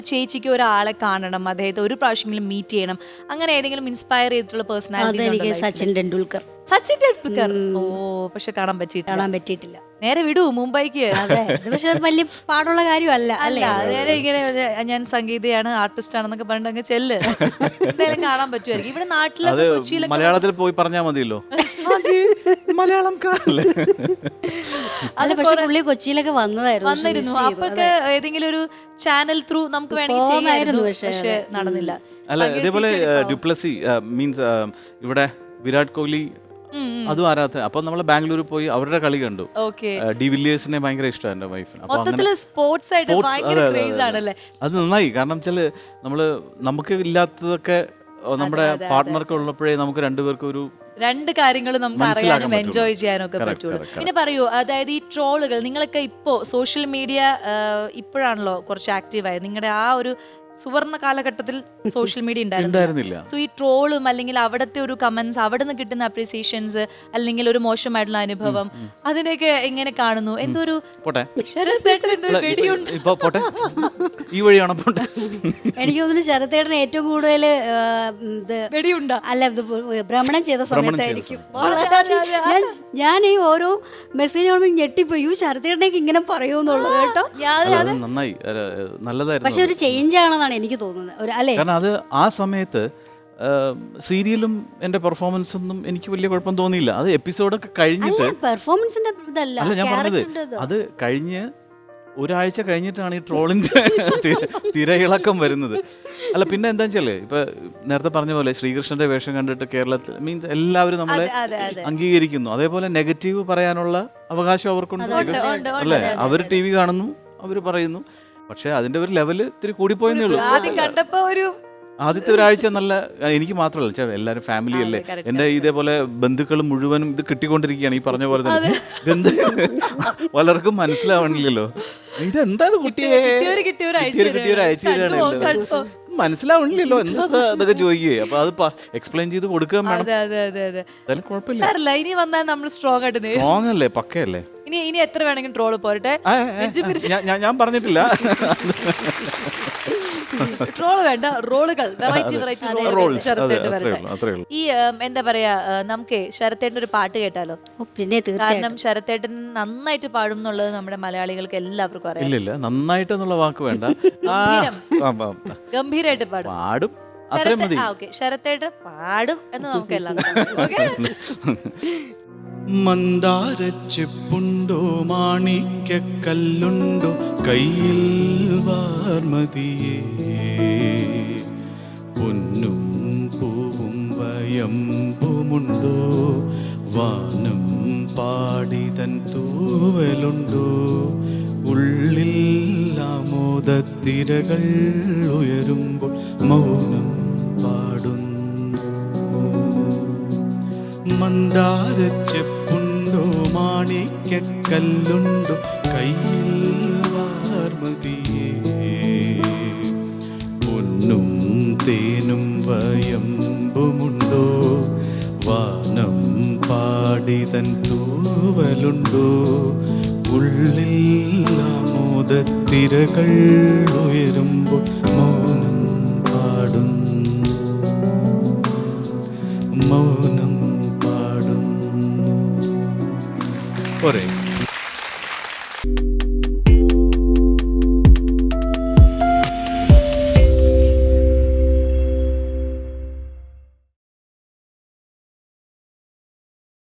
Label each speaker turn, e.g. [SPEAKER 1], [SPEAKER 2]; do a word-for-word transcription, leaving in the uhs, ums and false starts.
[SPEAKER 1] ചേച്ചിക്ക് ഒരാളെ കാണണം, അദ്ദേഹത്തെ ഒരു പ്രാവശ്യമെങ്കിലും മീറ്റ് ചെയ്യണം, അങ്ങനെ ഏതെങ്കിലും ഇൻസ്പയർ ചെയ്തിട്ടുള്ള പേഴ്സണാലിറ്റി?
[SPEAKER 2] സച്ചിൻ ടെണ്ടുൽക്കർ.
[SPEAKER 1] സച്ചിൻ ടെണ്ടുൽക്കർ. ഓ, പക്ഷെ കാണാൻ പറ്റിയിട്ടില്ല.
[SPEAKER 2] കാണാൻ പറ്റിയിട്ടില്ല.
[SPEAKER 1] നേരെ വിടൂ മുംബൈക്ക്.
[SPEAKER 2] അതെ, പക്ഷെ അത് വലിയ പാടുള്ള കാര്യമല്ല
[SPEAKER 1] അല്ല. നേരെ ഇങ്ങനെ ഞാൻ സംഗീതയാണ്, ആർട്ടിസ്റ്റ് ആണെന്നൊക്കെ പറഞ്ഞിട്ട് അങ്ങ് ചെല്ല്, എന്തായാലും കാണാൻ പറ്റുമായിരിക്കും. ഇവിടെ നാട്ടിലൊക്കെ കൊച്ചിയിലൊക്കെ
[SPEAKER 3] മലയാളത്തിൽ പോയി പറഞ്ഞാൽ മതിയല്ലോ. മലയാളം
[SPEAKER 2] അല്ല, പക്ഷെ പുള്ളി കൊച്ചിയിലൊക്കെ വന്നതായിരുന്നു
[SPEAKER 1] വന്നിരുന്നു. അപ്പൊക്കെ ഏതെങ്കിലും ഒരു ചാനൽ ത്രൂ നമുക്ക് വേണമെങ്കിൽ ചെയ്യാമായിരുന്നു, പക്ഷെ നടന്നില്ല.
[SPEAKER 3] അല്ല, ഇതേപോലെ ഡ്യുപ്ലസി മീൻസ് ഇവിടെ വിരാട് കോഹ്ലി അതും ആരാധന. അപ്പൊ നമ്മള് ബാംഗ്ലൂർ പോയി അവരുടെ കളി കണ്ടു. ഡി വില്ലിയേഴ്സിനെ ഭയങ്കര ഇഷ്ടമാണ് എന്റെ വൈഫിന്. അത് നന്നായി. കാരണം വെച്ചാല് നമ്മള് നമുക്ക് ഇല്ലാത്തതൊക്കെ നമ്മുടെ പാർട്ട്ണർക്ക് ഉള്ളപ്പോഴേ നമുക്ക് രണ്ടുപേർക്കും ഒരു
[SPEAKER 1] രണ്ട് കാര്യങ്ങൾ നമുക്ക് അറിയാനും എൻജോയ് ചെയ്യാനും ഒക്കെ പറ്റുള്ളൂ. പിന്നെ പറയൂ, അതായത് ഈ ട്രോളുകൾ നിങ്ങളൊക്കെ ഇപ്പോ സോഷ്യൽ മീഡിയ ഇപ്പോഴാണല്ലോ കുറച്ച് ആക്റ്റീവായത്. നിങ്ങളുടെ ആ ഒരു സുവർണ കാലഘട്ടത്തിൽ സോഷ്യൽ മീഡിയ ഉണ്ടായിരുന്നില്ല. സോ ഈ ട്രോളും അല്ലെങ്കിൽ അവിടുത്തെ ഒരു കമന്റ്സ്, അവിടെ നിന്ന് കിട്ടുന്ന അപ്രീസിയേഷൻസ്, അല്ലെങ്കിൽ ഒരു മോശമായിട്ടുള്ള അനുഭവം, അതിനൊക്കെ എങ്ങനെ കാണുന്നു? എന്തോ ഒരു
[SPEAKER 3] ഈ വഴിയാണോ പോട്ടെ?
[SPEAKER 2] എനിക്ക് തോന്നുന്നു ശരത്തേട്ടന് ഏറ്റവും കൂടുതൽ
[SPEAKER 1] വെടിയുണ്ട
[SPEAKER 2] അല്ല ഭ്രമണം ചെയ്ത സമയത്തായിരിക്കും ഞാൻ ഈ ഓരോ മെസ്സേജ് ഞെട്ടിപ്പോയി, യു ശരത്തേട്ടനേക്ക് ഇങ്ങനെ പറയുമെന്നുള്ളത് കേട്ടോ.
[SPEAKER 3] നന്നായി, നല്ലതായിരുന്നു.
[SPEAKER 2] പക്ഷെ ഒരു ചേഞ്ച് ആണെന്നാണ് എനിക്ക് തോന്നുന്നത്. അല്ലേ,
[SPEAKER 3] കാരണം അത് ആ സമയത്ത് സീരിയലും എന്റെ പെർഫോമൻസ് ഒന്നും എനിക്ക് വലിയ കുഴപ്പം തോന്നിയില്ല. അത് എപ്പിസോഡൊക്കെ കഴിഞ്ഞിട്ട്
[SPEAKER 2] പെർഫോമൻസിന്റെ അല്ല
[SPEAKER 3] ഞാൻ പറഞ്ഞത്, അത് കഴിഞ്ഞ് ഒരാഴ്ച കഴിഞ്ഞിട്ടാണ് ഈ ട്രോളിന്റെ തിരയിളക്കം വരുന്നത്. അല്ല, പിന്നെ എന്താ വെച്ചാല് ഇപ്പൊ നേരത്തെ പറഞ്ഞ പോലെ ശ്രീകൃഷ്ണന്റെ വേഷം കണ്ടിട്ട് കേരളത്തിൽ മീൻസ് എല്ലാവരും നമ്മളെ അംഗീകരിക്കുന്നു. അതേപോലെ നെഗറ്റീവ് പറയാനുള്ള അവകാശം അവർക്കുണ്ട്. അല്ലേ, അവര് ടി വി കാണുന്നു, അവര് പറയുന്നു. പക്ഷെ അതിന്റെ ഒരു ലെവല് ഇത്തിരി കൂടിപ്പോയെന്നേ ഉള്ളൂ. ആദ്യത്തെ ഒരാഴ്ച നല്ല, എനിക്ക് മാത്രമല്ല, എല്ലാവരും ഫാമിലി അല്ലേ, എന്റെ ഇതേപോലെ ബന്ധുക്കൾ മുഴുവനും ഇത് കിട്ടിക്കൊണ്ടിരിക്കുകയാണ്. ഈ പറഞ്ഞ പോലെ തന്നെ ഇതെന്താ പലർക്കും മനസ്സിലാവണില്ലല്ലോ, ഇതെന്താ കുട്ടിയെ കിട്ടിയൊരു അയച്ചു തരാണല്ലോ, മനസ്സിലാവണില്ലല്ലോ എന്താ അതൊക്കെ ചോദിക്കുകയെ. അപ്പൊ അത് എക്സ്പ്ലെയിൻ ചെയ്ത് കൊടുക്കാൻ വേണം. കുഴപ്പമില്ല,
[SPEAKER 1] ഇനി വന്നാൽ നമ്മൾ സ്ട്രോങ് ആയിട്ട്
[SPEAKER 3] സ്ട്രോങ് അല്ലേ, പക്കയല്ലേ.
[SPEAKER 1] ഇനി ഇനി എത്ര വേണമെങ്കിലും ട്രോള് പോരട്ടെ,
[SPEAKER 3] ഞാൻ പറഞ്ഞിട്ടില്ല.
[SPEAKER 1] ട്രോള് വേണ്ട, റോളുകൾ, വെറൈറ്റി വെറൈറ്റി റോളുകൾ. ഈ എന്താ പറയാ, നമുക്ക് ശരത്തേട്ടൻ ഒരു പാട്ട് കേട്ടാലോ?
[SPEAKER 2] പിന്നെ
[SPEAKER 1] കാരണം ശരത്തേട്ടൻ നന്നായിട്ട് പാടും എന്നുള്ളത് നമ്മുടെ മലയാളികൾക്ക് എല്ലാവർക്കും അറിയാം.
[SPEAKER 3] ഇല്ല, നന്നായിട്ട് എന്നുള്ള വാക്ക് വേണ്ട,
[SPEAKER 1] ഗംഭീരായിട്ട് പാടും
[SPEAKER 3] പാടും
[SPEAKER 1] ശരത്തേട്ടൻ പാടും എന്ന് നമുക്ക് എല്ലാം.
[SPEAKER 4] മന്ദാരച്ചെപ്പുണ്ടോ മാണിക്കല്ലുണ്ടോ കയ്യിൽ വാർമതിയേ, പൊന്നും പൂവും വയമ്പുമുണ്ടോ, വാനം പാടിതൻ തൂവലുണ്ടോ, ഉള്ളിൽ ആമോദത്തിരകൾ ഉയരുമ്പോൾ മൗനം പാടുന്നു. മന്ദാരച്ചെപ്പുണ്ടോ മാണിക്കല്ലുണ്ടോ കയ്യിൽ വാർമതിയേ, പൊന്നും തേനും വയമ്പുമുണ്ടോ, വാനം പാടിതൻ തൂവലുണ്ടോ, ഉള്ളിൽ ആമോദത്തിരകൾ ഉയരുമ്പോൾ